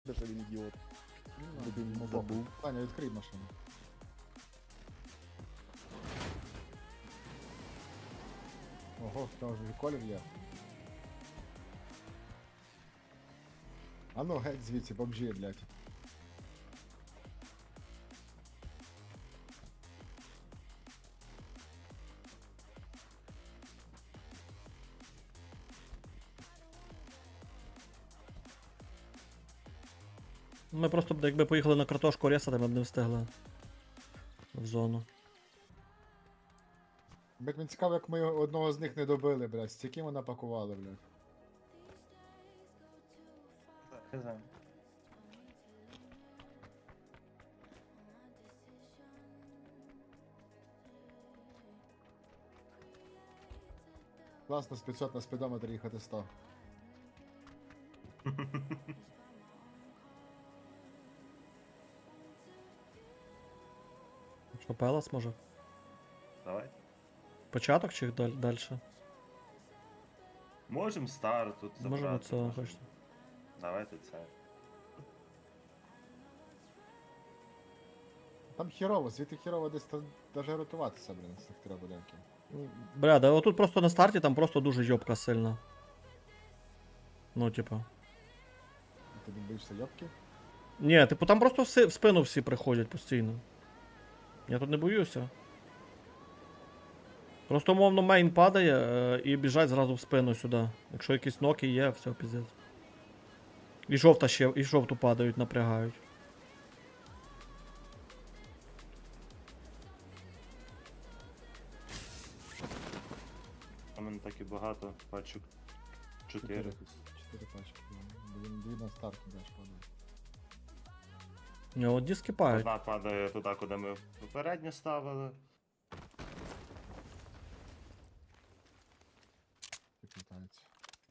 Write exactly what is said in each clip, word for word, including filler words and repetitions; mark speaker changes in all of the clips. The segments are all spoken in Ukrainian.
Speaker 1: Що він ідіот.
Speaker 2: Ну,
Speaker 1: Дебільний
Speaker 2: ну,
Speaker 1: забув.
Speaker 2: Таня, відкрий машину. Ого, в того ж і колір є. А ну геть звідси, бомжі, блядь.
Speaker 3: Ми просто б, якби поїхали на картошку ресати, ми б не встигли в зону.
Speaker 2: Блять, мені цікаво, як ми одного з них не добили, блядь. Стільки ми напакували, блядь.
Speaker 4: Хз.
Speaker 2: Класно з п'ятсот на спідометр їхати сто.
Speaker 3: Що, Пелас може?
Speaker 4: Давай.
Speaker 3: Початок чи даль- далі?
Speaker 4: Можем стар тут забрати.
Speaker 3: Можемо це
Speaker 4: можем.
Speaker 3: хочете.
Speaker 4: Давайте це.
Speaker 2: Там хірово, звідти хірово десь та- даже рятуватися, блін, з цих трьох будинків.
Speaker 3: Бля, да отут просто на старті там просто дуже йобка сильна. Ну, типа.
Speaker 2: Ти не боїшся йобки?
Speaker 3: Ні, типу там просто всі, в спину всі приходять постійно. Я тут не боюся. Просто умовно мейн падає е, і біжать зразу в спину сюди. Якщо якісь ноки є, все, піздець. І жовта ще, і жовту падають, напрягають.
Speaker 4: А мене так і багато пачок. Чотири.
Speaker 2: Чотири пачки. Дві, дві на старт даш падає.
Speaker 3: Ні, от диски пають.
Speaker 4: Одна падає туди, куди ми попередньо ставили.
Speaker 2: Підлітається.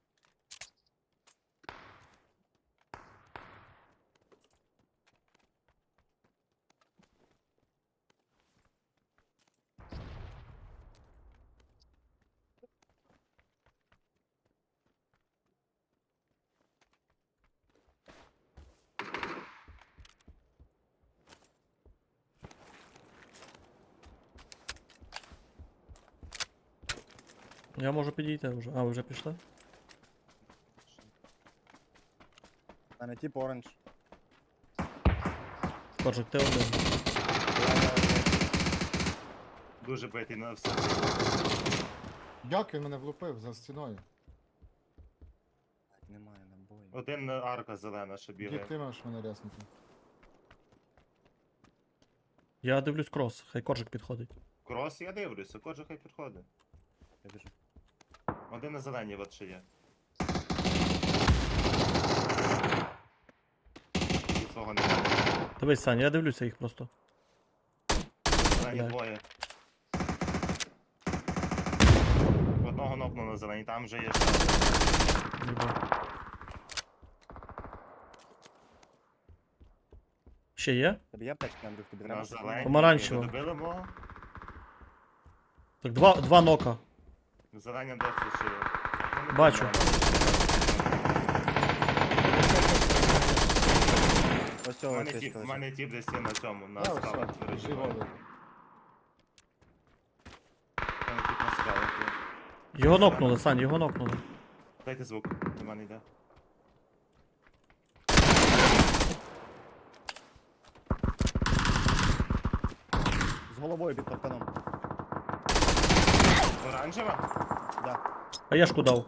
Speaker 3: Я можу підійти вже. А, ви вже пішли?
Speaker 1: А не тип оранж.
Speaker 3: Коржик, ти один.
Speaker 4: Дуже битий на все.
Speaker 2: Як він мене влупив за стіною?
Speaker 1: Немає набою.
Speaker 4: Один арка зелена, що
Speaker 2: Дід,
Speaker 4: бігає.
Speaker 2: ти можеш мене ряснути.
Speaker 3: Я дивлюсь крос, хай коржик підходить.
Speaker 4: Крос я дивлюся, кожен хай підходить.
Speaker 1: Я біжу.
Speaker 4: Один на зеленій от ще є. І свого немає.
Speaker 3: Дивись, Саня, я дивлюся їх просто.
Speaker 4: Зелені
Speaker 3: Блядь.
Speaker 4: двоє. Одного нокну на зеленій, там вже є ще.
Speaker 3: Ніби. Ще є?
Speaker 1: Тобі є аптечки, Андрюх, тобі
Speaker 4: На
Speaker 1: треба?
Speaker 4: зеленій.
Speaker 3: Помаранчево.
Speaker 4: Ви добили мого?
Speaker 3: Так, два, два нока.
Speaker 4: Зелені досі ще є. Ну, не
Speaker 3: Бачу.
Speaker 4: помню.
Speaker 1: Ось
Speaker 4: У
Speaker 1: цього
Speaker 4: мене
Speaker 1: аптечка
Speaker 4: тіп, у
Speaker 1: лежить.
Speaker 4: мене тіп десь є на цьому, на
Speaker 2: Да,
Speaker 4: скалах.
Speaker 2: все, біжи
Speaker 4: У
Speaker 2: голий.
Speaker 4: мене тіп на скалах. є.
Speaker 3: Його нокнули, Сань, його нокнули.
Speaker 4: Дайте звук, до мене йде.
Speaker 1: З головою під парканом.
Speaker 4: Оранжева?
Speaker 1: Да.
Speaker 3: Хаєшку дав.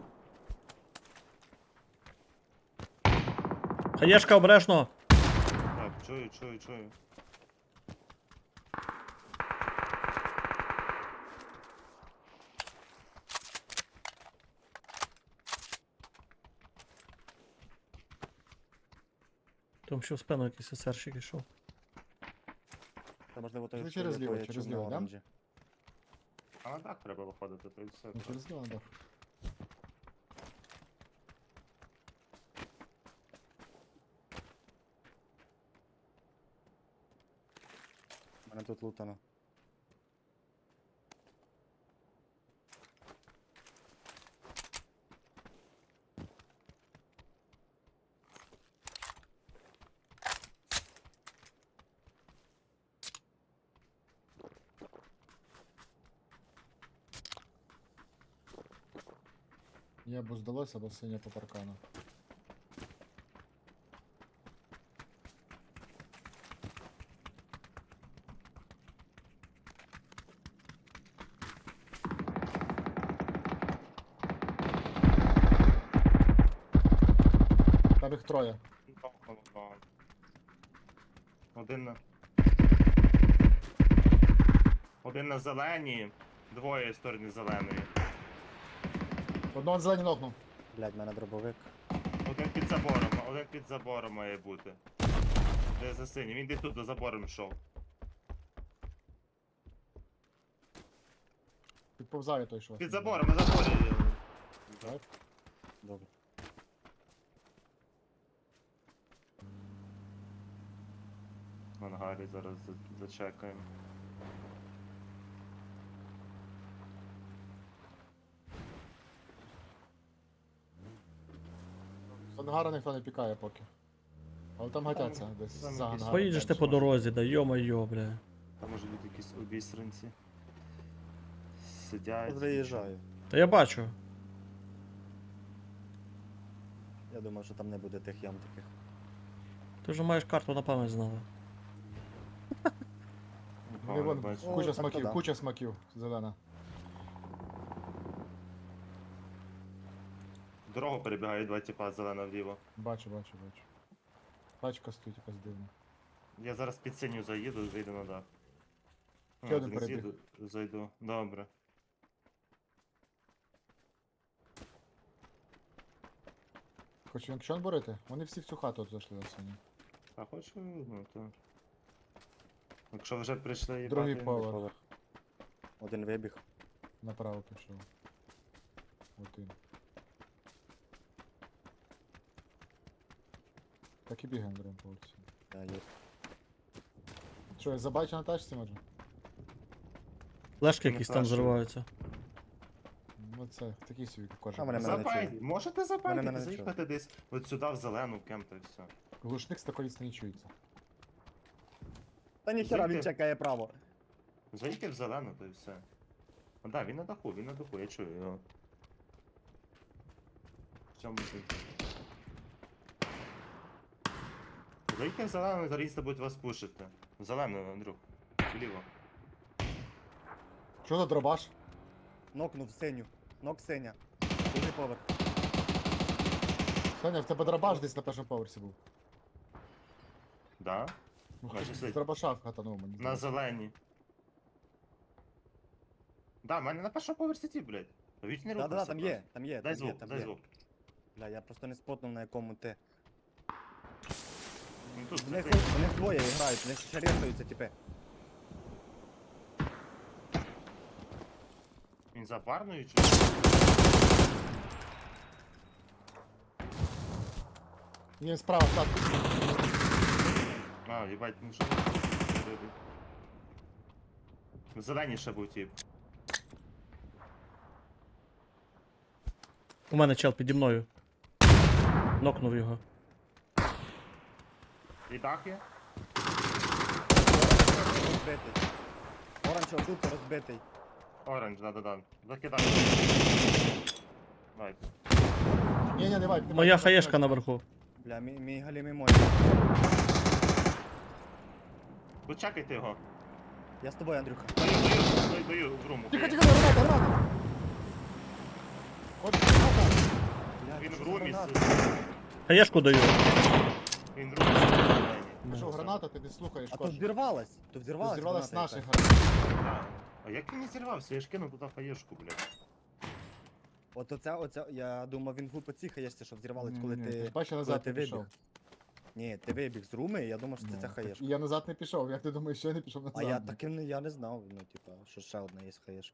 Speaker 3: Хаєшка обережно.
Speaker 4: Так, чую, чую, чую.
Speaker 3: Там ще в спину якийсь есерщик ішов.
Speaker 1: Це можливо той,
Speaker 2: Ну,
Speaker 1: що
Speaker 2: через
Speaker 1: є
Speaker 2: ліво,
Speaker 1: твоє
Speaker 2: через
Speaker 1: чорне
Speaker 2: ліво, да?
Speaker 1: оранжі.
Speaker 4: А на дах треба виходити, то і все.
Speaker 2: Ну, через два дав.
Speaker 1: У мене тут лутано.
Speaker 2: Ні, або здалося, або синя по паркану. Там їх троє.
Speaker 4: Нокнув. Один на. Один на зеленій, двоє в стороні зеленої.
Speaker 2: Одного зелені нокнув.
Speaker 1: Блядь, в мене дробовик.
Speaker 4: Один під забором, один під забором має бути. Де за синім? Він десь тут за забором йшов.
Speaker 2: Підповзає той, що.
Speaker 4: Під забором, на заборі.
Speaker 2: Так.
Speaker 1: Добре.
Speaker 4: В ангарі зараз за- зачекаємо.
Speaker 2: З ангара ніхто не пікає поки. Але там гатяться десь
Speaker 4: там
Speaker 2: за
Speaker 4: якісь
Speaker 2: ангаром.
Speaker 3: Поїдеш ти по дорозі, да йо-моє, бля.
Speaker 4: Там може бути якісь обісранці. Сидять.
Speaker 1: Виїжджаю.
Speaker 3: Та я бачу.
Speaker 1: Я думав, що там не буде тих ям таких.
Speaker 3: Ти вже маєш карту на пам'ять знала.
Speaker 4: Ага,
Speaker 2: Не, вон,
Speaker 4: бачу.
Speaker 1: О,
Speaker 2: куча
Speaker 1: так то
Speaker 2: смаків,
Speaker 1: да.
Speaker 2: куча смаків, зелена.
Speaker 4: Дорогу перебігають два тіпа зелена вліво.
Speaker 2: Бачу, бачу, бачу. Тачка стоїть якась дивна.
Speaker 4: Я зараз під синю заїду, вийду на дах.
Speaker 2: Ще
Speaker 4: А,
Speaker 2: один
Speaker 4: не
Speaker 2: перебіг.
Speaker 4: з'їду, зайду. Добре.
Speaker 2: Хоч якщо борити, вони всі в цю хату от зайшли на сині.
Speaker 4: А хочу, ну то. Якщо вже прийшли їбати.
Speaker 2: Другий поверх.
Speaker 1: Поверх. Один вибіг.
Speaker 2: Направо пішов. Один. Так і бігаємо в другому поверсі.
Speaker 1: Я є.
Speaker 2: Що, я забачу на тачці може?
Speaker 3: Флешки
Speaker 4: Не
Speaker 3: якісь там
Speaker 4: флешки.
Speaker 3: зриваються.
Speaker 2: Ну це такий собі кожен.
Speaker 1: А, мене- мене не
Speaker 4: Запай,
Speaker 1: чує.
Speaker 4: можете
Speaker 1: Мене-
Speaker 4: запайтити,
Speaker 1: мене не
Speaker 4: заїхати десь от сюди в зелену кем та й все.
Speaker 2: Глушник з такої не чується.
Speaker 1: Та ніхера він
Speaker 4: Зайти.
Speaker 1: чекає право.
Speaker 4: Заїдьте в зелену, то й все. А, да, він на даху, він на даху, я чую його. В цьому сенсі. Заїдьте в зелену, зараз будуть вас пушити. В зелену, Андрюх. Вліво.
Speaker 2: Що за дробаш?
Speaker 1: Нокнув синю. Нок синя. Другий поверх.
Speaker 2: Саня, в тебе дробаш десь на першому поверсі був.
Speaker 4: Да?
Speaker 2: Ну,
Speaker 4: Бачиш,
Speaker 2: хоч
Speaker 4: сидить.
Speaker 2: з дробаша вхатанув мені.
Speaker 4: На
Speaker 2: здається.
Speaker 4: зеленій. Да, в мене на першому поверсі ті, блядь. Та віч не
Speaker 1: Да, да, да,
Speaker 4: рухайся
Speaker 1: там
Speaker 4: просто.
Speaker 1: є, там є,
Speaker 4: Дай
Speaker 1: там є,
Speaker 4: звук,
Speaker 1: там
Speaker 4: дай
Speaker 1: є.
Speaker 4: звук.
Speaker 1: Бля, я просто не спотнув на якому ти.
Speaker 4: Ну тут
Speaker 1: В них,
Speaker 4: сидить.
Speaker 1: в них двоє грають, в них ще рисуються, типи.
Speaker 4: Він за парною чи?
Speaker 2: Ні, справа, так.
Speaker 4: А, їбать, ну що? В зеленій ще був тип.
Speaker 3: У мене чел піді мною. Нокнув його.
Speaker 4: І дах є?
Speaker 1: Розбитий. Оранж отут розбитий.
Speaker 4: Оранж, да-да-да. Закидай. Давай.
Speaker 2: Ні, ні, не вайп. не
Speaker 3: Моя
Speaker 2: вайп, не
Speaker 3: хаєшка
Speaker 2: вайп.
Speaker 3: наверху.
Speaker 1: Бля, мій, мій галімий мой.
Speaker 4: Тут чекайте його.
Speaker 1: Я з тобою, Андрюха.
Speaker 4: Даю, даю, даю, даю в руму.
Speaker 2: Тихо, тихо, граната, граната! От, граната!
Speaker 1: Бля,
Speaker 4: Він
Speaker 1: що
Speaker 4: в
Speaker 1: за
Speaker 4: румі.
Speaker 1: граната?
Speaker 3: Хаєшку даю.
Speaker 4: Він в румі. зеленій.
Speaker 2: Пішов граната, ти не слухаєш,
Speaker 1: А то
Speaker 2: кожен.
Speaker 1: взірвалась. То взірвалась
Speaker 2: Взірвалась
Speaker 1: граната
Speaker 2: наших
Speaker 1: якась.
Speaker 2: гранат.
Speaker 4: Да. А як він не зірвався? Я ж кинув туди хаєшку, блядь.
Speaker 1: От оця, оця, я думав, він глупо ціхаєшся, що взірвалась, коли
Speaker 2: Ні, ні,
Speaker 1: ти...
Speaker 2: Бачиш, я
Speaker 1: коли
Speaker 2: назад
Speaker 1: ти
Speaker 2: не пішов.
Speaker 1: вибіг. Ні, ти вибіг з руми, я думав, що це
Speaker 2: Ну,
Speaker 1: ця
Speaker 2: так
Speaker 1: хаєшка.
Speaker 2: Я назад не пішов, як ти думаєш, що я не пішов назад?
Speaker 1: А я так і не, я не знав, ну, типа, що ще одна є хаєшка.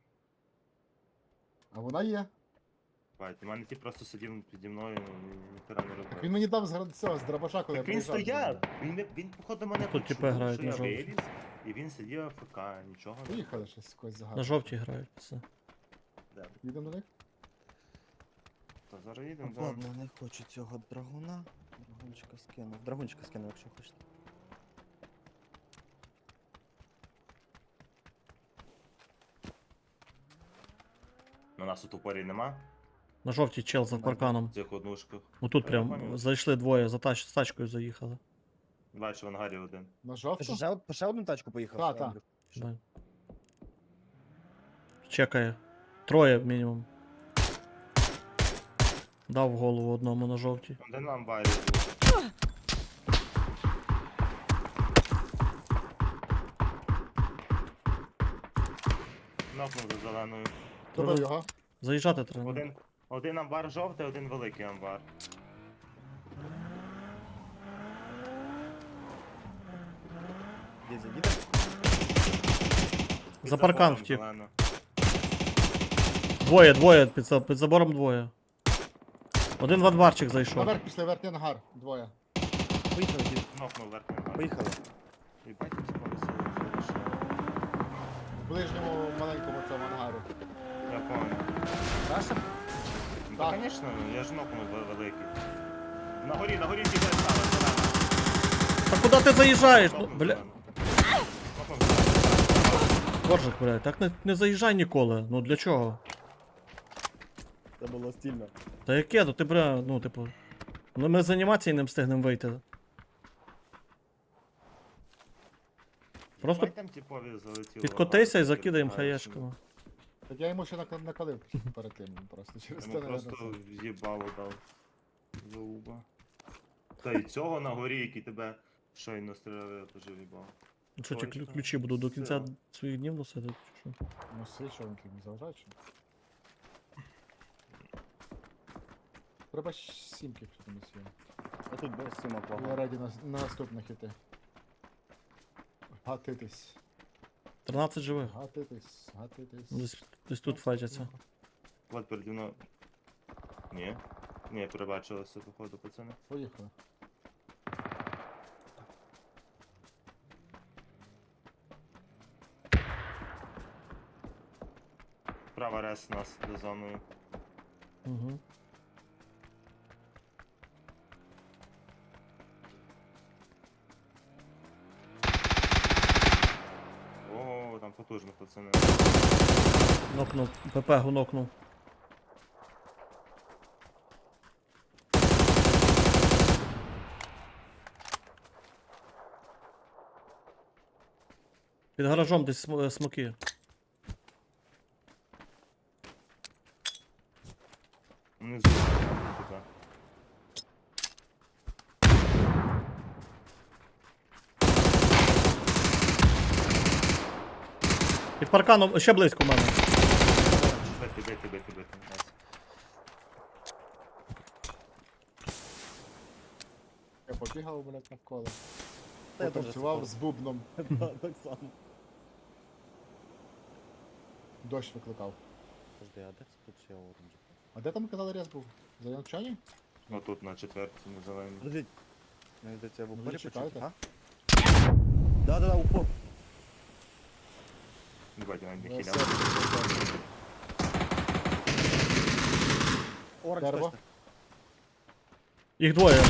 Speaker 2: А вона є.
Speaker 4: Бать, у мене ті просто сидів піді мною, ніхера не
Speaker 2: Так він
Speaker 4: робив.
Speaker 2: мені дав з гра- цього, з дробаша, коли
Speaker 4: Так
Speaker 2: я
Speaker 4: він
Speaker 2: проїжджав.
Speaker 4: стояв! Він, не- він походу мене
Speaker 3: Тут типи
Speaker 4: почув,
Speaker 3: грають
Speaker 4: що
Speaker 3: на
Speaker 4: я
Speaker 3: жовтій.
Speaker 4: виліз, і він сидів АФК, нічого не
Speaker 2: Поїхали щось якось
Speaker 3: На
Speaker 2: загадку.
Speaker 3: жовтій грають, пацани.
Speaker 4: робив.
Speaker 2: Їдемо до них?
Speaker 4: Та зараз їдемо, да.
Speaker 1: Ладно, не хочу цього драгуна. Драгунчика скину. Драгунчика скину, якщо хочете.
Speaker 4: На нас тут упорі нема.
Speaker 3: На жовтій чел за парканом.
Speaker 4: В цих однушках.
Speaker 3: Отут
Speaker 4: Я
Speaker 3: прям
Speaker 4: понял.
Speaker 3: зайшли двоє, за тач... з тачкою заїхали.
Speaker 4: Бачу, в ангарі один.
Speaker 2: На
Speaker 1: Ти
Speaker 2: жовту?
Speaker 1: що, ще, од- по ще одну тачку поїхав?
Speaker 2: Та, та.
Speaker 1: Андрюх? Що?
Speaker 3: Да. Чекає. Троє мінімум. Дав в голову одному на жовтій.
Speaker 4: Один на амбарі був. Нокнув за зеленою.
Speaker 2: Добив його.
Speaker 3: Заїжджати треба.
Speaker 4: Один, один амбар жовтий, один великий амбар.
Speaker 1: Дідзя, їде?
Speaker 4: Під
Speaker 3: За паркан
Speaker 4: забором
Speaker 3: втік.
Speaker 4: зелено.
Speaker 3: Двоє, двоє, під, за- під забором двоє. Один в анварчик зайшов.
Speaker 2: Наверх після верхній ангар. Двоє.
Speaker 1: Поїхали, дід.
Speaker 4: Нокнув верхній амбар.
Speaker 1: Поїхали.
Speaker 4: Їбать, їм спалося.
Speaker 2: В ближньому маленькому цьому ангарі.
Speaker 4: Я понял.
Speaker 1: Наша?
Speaker 4: Ну,
Speaker 2: Так.
Speaker 4: та, звісно, я ж нокнув ве- великий. На горі, на горі тільки стали, зелена.
Speaker 3: Та куди ти заїжджаєш? Ну,
Speaker 4: Нокнув
Speaker 3: бля.
Speaker 4: зелену. Нокнув зелену.
Speaker 3: Коржик, блядь, так не, не заїжджай ніколи. Ну для чого?
Speaker 1: Це було стильно.
Speaker 3: Та яке? Ну ти бля, ну типу. Ну ми з анімації не встигнемо вийти. Просто
Speaker 4: Їбать, там типові залетіло.
Speaker 3: підкотися і
Speaker 4: багато,
Speaker 3: закидаємо
Speaker 4: знаєш,
Speaker 3: хаєшками.
Speaker 2: Так я йому ще накал- накалив перед тим просто через те,
Speaker 4: Йому
Speaker 2: наверно,
Speaker 4: просто
Speaker 2: це.
Speaker 4: в'їбало дав. Зауба. Та й цього на горі, який тебе щойно стріляв, я теж в'їбав.
Speaker 3: Ну що, ті
Speaker 4: Ой,
Speaker 3: клю-
Speaker 4: та
Speaker 3: ключі буду до кінця
Speaker 4: все.
Speaker 3: своїх днів носити? Чи що?
Speaker 2: Ну свій, що він не заважає, чи? Треба ж сімки комусь є.
Speaker 1: А тут без сімок
Speaker 2: Я
Speaker 1: вага.
Speaker 2: раді на, на наступних іти. Гатитись.
Speaker 3: тринадцять живих.
Speaker 2: Гатитись, гатитись.
Speaker 3: Десь, десь тут файтяться.
Speaker 4: От переді мною. Ні. Ні, перебачилося, походу, пацани.
Speaker 2: Поїхали.
Speaker 4: Права рес нас за зоною.
Speaker 3: Угу.
Speaker 4: О, там потужно, пацани.
Speaker 3: Нокнув. ПП нокнув. Під гаражом десь см- е, смоки.
Speaker 4: Внизу. Туди.
Speaker 3: Під парканом ще близько в мене.
Speaker 4: Бити, бити, бити, бити. Найс.
Speaker 2: Я побігав, блядь, навколо.
Speaker 1: Та я теж
Speaker 2: Потанцював
Speaker 1: сипав.
Speaker 2: з бубном.
Speaker 1: Так так само.
Speaker 2: Дощ викликав.
Speaker 1: Подожди, а де це тут ще оранж?
Speaker 2: А де там казали рез був? За Янчані?
Speaker 4: Ну тут на четвертій, на зеленій.
Speaker 1: Подожди. Мені здається, в
Speaker 2: Ну,
Speaker 1: упорі
Speaker 2: зачекайте.
Speaker 1: почути, а? Да-да-да, упор.
Speaker 4: Їбать, я навіть не
Speaker 2: Я
Speaker 4: хіляв.
Speaker 2: все-
Speaker 1: Оранж
Speaker 2: Дерево.
Speaker 1: точно.
Speaker 3: Їх двоє.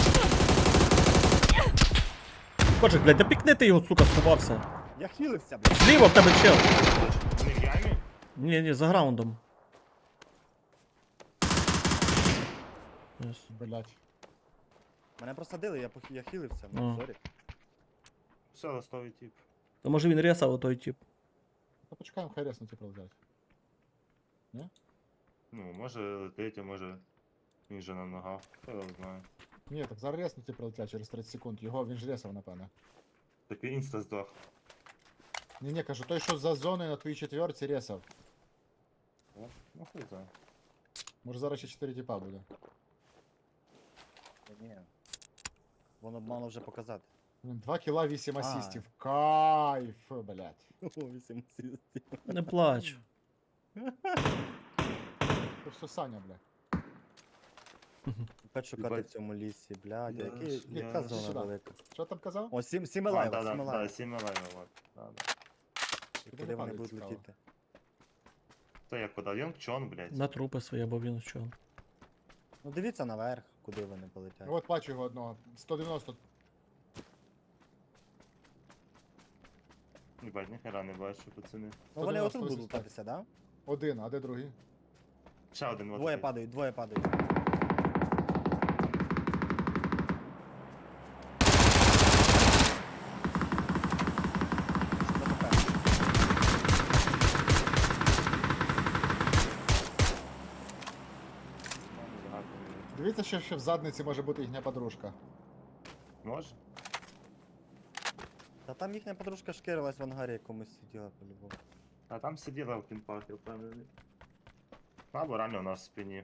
Speaker 3: Коржик, блядь, да пікни ти його, сука, сховався.
Speaker 1: Я хілився, блядь.
Speaker 3: Зліва в тебе чел.
Speaker 4: Вони в ямі?
Speaker 3: Ні, ні, за граундом. Yes.
Speaker 2: Блядь.
Speaker 1: Мене просадили, я, пох... я хілився,
Speaker 3: Ну.
Speaker 1: ну, сорі.
Speaker 4: Все, ластовий тип.
Speaker 3: То може він ресав той тип.
Speaker 2: Та почекаємо, хай реснути пролетять.
Speaker 4: Ну, може летить, а може він же на ногах. Хто його знає.
Speaker 2: Ні, так зараз реснути пролетять через тридцять секунд. Його він ж ресав, напевне.
Speaker 4: Так він інста здох.
Speaker 2: Ні, ні, кажу, той, що за зоною на твоїй четвірці ресав.
Speaker 4: О, ну хуй знає.
Speaker 2: Може зараз ще чотири тіпа буде.
Speaker 1: Та ні. Воно б мало вже показати.
Speaker 2: Блін, два кіла, вісім
Speaker 1: А.
Speaker 2: асістів. Кайф, блядь.
Speaker 1: О, вісім асистів.
Speaker 3: Не плач.
Speaker 2: Це все Саня, блядь.
Speaker 1: Опять шукати в
Speaker 4: Їбать.
Speaker 1: цьому лісі, блядь,
Speaker 4: Я
Speaker 1: який,
Speaker 4: ж-
Speaker 1: яка
Speaker 4: я
Speaker 1: зона
Speaker 2: сюди.
Speaker 1: велика.
Speaker 2: Що там казав?
Speaker 1: О, сім, сім
Speaker 4: А,
Speaker 1: лайв,
Speaker 4: да, да,
Speaker 1: сім
Speaker 4: да,
Speaker 1: лайв.
Speaker 4: сім лайв, от. Да, да.
Speaker 1: І
Speaker 2: Куди
Speaker 1: куди вони
Speaker 2: падають,
Speaker 1: будуть
Speaker 2: цікаво?
Speaker 1: летіти?
Speaker 4: Та як подав? Йонг Чон, блядь.
Speaker 3: На трупи свої, або він що.
Speaker 1: Ну дивіться наверх, куди вони полетять.
Speaker 2: Ну от бачу його одного. сто дев'яносто.
Speaker 4: Їбать, ніхера не бачу, пацани.
Speaker 1: Ну вони
Speaker 2: сто
Speaker 1: отут
Speaker 2: дев'яносто
Speaker 1: будуть лутатися, да?
Speaker 2: Один, а де другий?
Speaker 4: Ще один вот
Speaker 1: Двоє
Speaker 4: такий.
Speaker 1: падають, двоє падають.
Speaker 2: Дивіться, що ще в задниці може бути їхня подружка.
Speaker 4: Може?
Speaker 1: Та там їхня подружка шкірилась в ангарі якомусь сиділа по-любому.
Speaker 4: А там сиділа в кімпах, я впевнений. Або реально у нас в спині.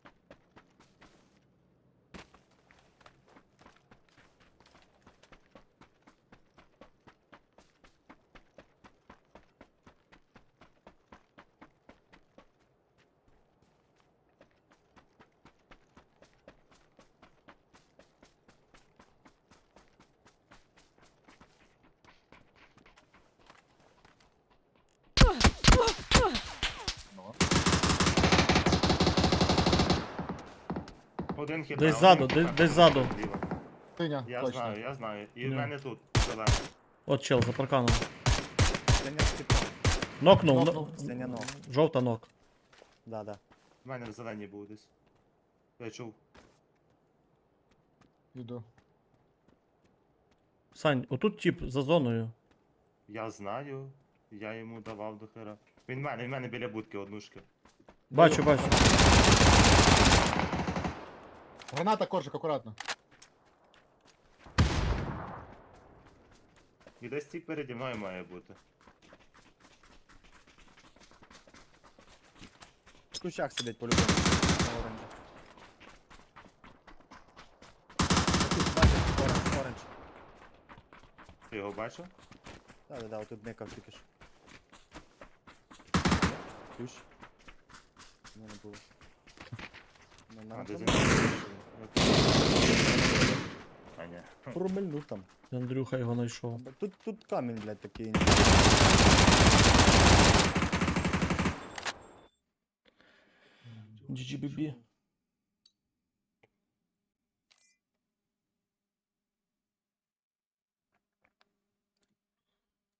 Speaker 2: Ну.
Speaker 4: Один хіба.
Speaker 3: Десь ззаду, десь- десь ззаду.
Speaker 2: Синя,
Speaker 4: Я
Speaker 2: точно.
Speaker 4: знаю, я знаю. І в
Speaker 3: Ну.
Speaker 4: мене тут зелений.
Speaker 3: От чел за парканом.
Speaker 1: Синя скипа.
Speaker 3: Нокнув.
Speaker 2: Нокнув.
Speaker 3: но-
Speaker 1: Синя ног.
Speaker 3: Жовта нок.
Speaker 1: Да, да.
Speaker 4: В мене в зеленій був десь. Я чув.
Speaker 2: Іду.
Speaker 3: Сань, отут тип за зоною.
Speaker 4: Я знаю. Я йому давав до хера. Він в мене, він в мене біля будки однушки.
Speaker 3: Бачу, бачу.
Speaker 2: Граната, коржик, акуратно.
Speaker 4: І десь ці переді мною має бути.
Speaker 1: В кущах сидить по-любому. На оранжі. Отут, бачиш, оранж, оранж.
Speaker 4: Ти його бачив?
Speaker 1: Да, да, да, отут никав тільки що. Ключ. У мене було. Ну,
Speaker 4: А,
Speaker 1: нам
Speaker 4: десь
Speaker 1: там-
Speaker 4: він. А, ні.
Speaker 1: Промильнув там.
Speaker 3: Андрюха його знайшов.
Speaker 1: Тут, тут камінь, блядь, такий.
Speaker 3: джі джі бі бі.